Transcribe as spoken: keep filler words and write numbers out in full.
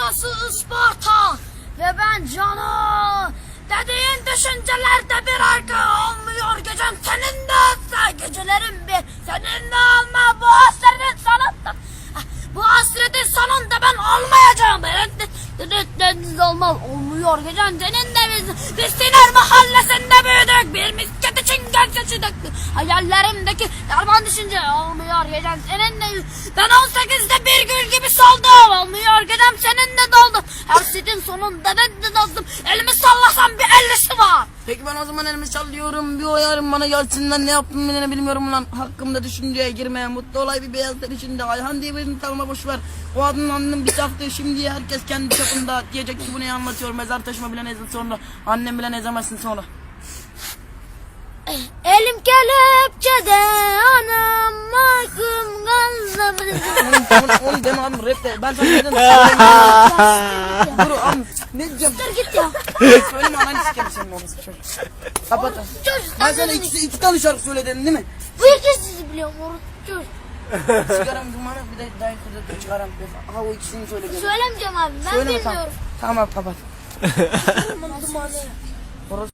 babası Isparta ve ben Cano. Dediğin düşüncelerde bir arka olmuyor gecem seninle olsa gecelerim bir seninle olma bu hasretin sonunda. Bu hasretin sonunda ben olmayacağım. Deniz olmaz olmuyor gecem seninle biz. Biz Siner mahallesinde büyüdük. Bir misket için genç yaşı döktük. Hayallerimdeki derman düşünce olmuyor gecem seninle. Ben on sekizde bir gül gibi soldum. Olmuyor gecem seninle doldum. Her sitin sonunda ben de doldum. Elimi sallasam bir ellisi var. Peki ben o zaman elimi çalıyorum, bir oyarım bana gelsinler, ne yaptım bile bilmiyorum lan. Hakkımda düşünceye girmeye, mutlu olay bir beyazlar içinde. Ayhan diye birini tanıma boşver. O adının annem bir saftı, şimdi herkes kendi çapında. Diyecek ki bu neyi anlatıyor, mezar taşıma bile nezin sonra. Annem bile nezemezsin sonra. Elim kelepçede anam mahkum kaldı. Onu, onu deme abi, rap de. Ben sana neden Dur abi, ne diyeceğim? Dur git ya. Söyleme ananı sikerim senin olması çocuk. Kapat. Çocuk, Ben sana ikisi, iki tane şarkı söyledim değil mi? Bu ikisi biliyorum oruç çocuk. Sigaram dumanı bir de dayı kırdı çıkaram. Aha o ikisini söyle. Söylemeyeceğim abi ben Söyleme, bilmiyorum. Tamam, tamam kapat. Dumanı.